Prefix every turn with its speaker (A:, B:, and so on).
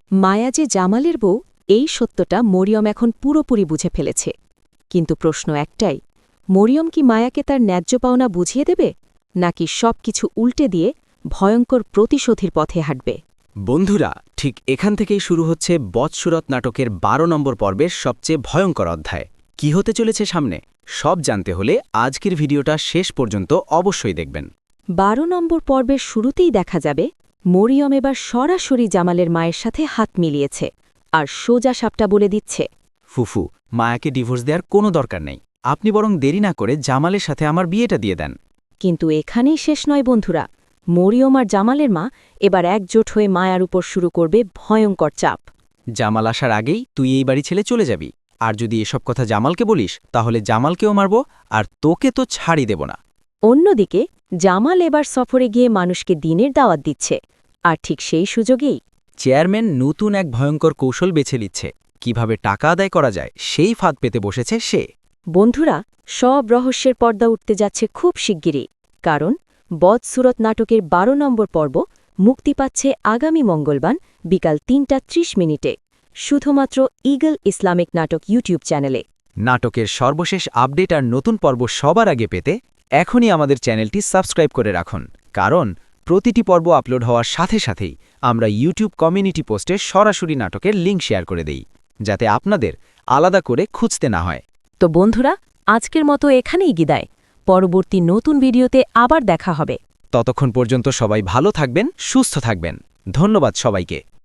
A: মায়া যে জামালের বউ, এই সত্যটা মরিয়ম এখন পুরোপুরি বুঝে ফেলেছে। কিন্তু প্রশ্ন একটাই, মরিয়ম কি মায়াকে তার ন্যায্য পাওনা বুঝিয়ে দেবে, নাকি সবকিছু উল্টে দিয়ে ভয়ঙ্কর প্রতিশোধের পথে হাঁটবে?
B: বন্ধুরা, ঠিক এখান থেকেই শুরু হচ্ছে বৎসুরত নাটকের ১২ নম্বর পর্বের সবচেয়ে ভয়ঙ্কর অধ্যায়। কি হতে চলেছে সামনে সব জানতে হলে আজকের ভিডিওটা শেষ পর্যন্ত অবশ্যই দেখবেন।
A: ১২ নম্বর পর্বের শুরুতেই দেখা যাবে মরিয়ম এবার সরাসরি জামালের মায়ের সাথে হাত মিলিয়েছে, আর সোজা সাপটা বলে দিচ্ছে,
B: ফুফু, মায়াকে ডিভোর্স দেওয়ার কোনো দরকার নেই। আপনি বরং দেরি না করে জামালের সাথে আমার বিয়েটা দিয়ে দেন।
A: কিন্তু এখানেই শেষ নয় বন্ধুরা। মরিয়ম আর জামালের মা এবার একজোট হয়ে মায়ার উপর শুরু করবে ভয়ঙ্কর চাপ।
B: জামাল আসার আগেই তুই এই বাড়ি ছেড়ে চলে যাবি, আর যদি এসব কথা জামালকে বলিস তাহলে জামালকেও মারব, আর তোকে তো ছাড়ি দেব না।
A: অন্যদিকে জামাল এবার সফরে গিয়ে মানুষকে দিনের দাওয়াত দিচ্ছে, আর ঠিক সেই সুযোগেই
B: চেয়ারম্যান নতুন এক ভয়ঙ্কর কৌশল বেছে নিচ্ছে। কিভাবে টাকা আদায় করা যায় সেই ফাঁদ পেতে বসেছে সে।
A: বন্ধুরা, সব রহস্যের পর্দা উঠতে যাচ্ছে খুব শিগগিরই, কারণ বদসুরত নাটকের ১২ নম্বর পর্ব মুক্তি পাচ্ছে আগামী মঙ্গলবার বিকাল ৩:৩০ শুধুমাত্র ঈগল ইসলামিক নাটক ইউটিউব চ্যানেলে।
B: নাটকের সর্বশেষ আপডেট আর নতুন পর্ব সবার আগে পেতে এখনই আমাদের চ্যানেলটি সাবস্ক্রাইব করে রাখুন, কারণ প্রতিটি পর্ব আপলোড হওয়ার সাথে সাথেই আমরা ইউটিউব কমিউনিটি পোস্টে সরাসরি নাটকের লিঙ্ক শেয়ার করে দেই, যাতে আপনাদের আলাদা করে খুঁজতে না হয়।
A: তো বন্ধুরা, আজকের মতো এখানেই বিদায়। পরবর্তী নতুন ভিডিওতে আবার দেখা হবে।
B: ততক্ষণ পর্যন্ত সবাই ভালো থাকবেন, সুস্থ থাকবেন। ধন্যবাদ সবাইকে।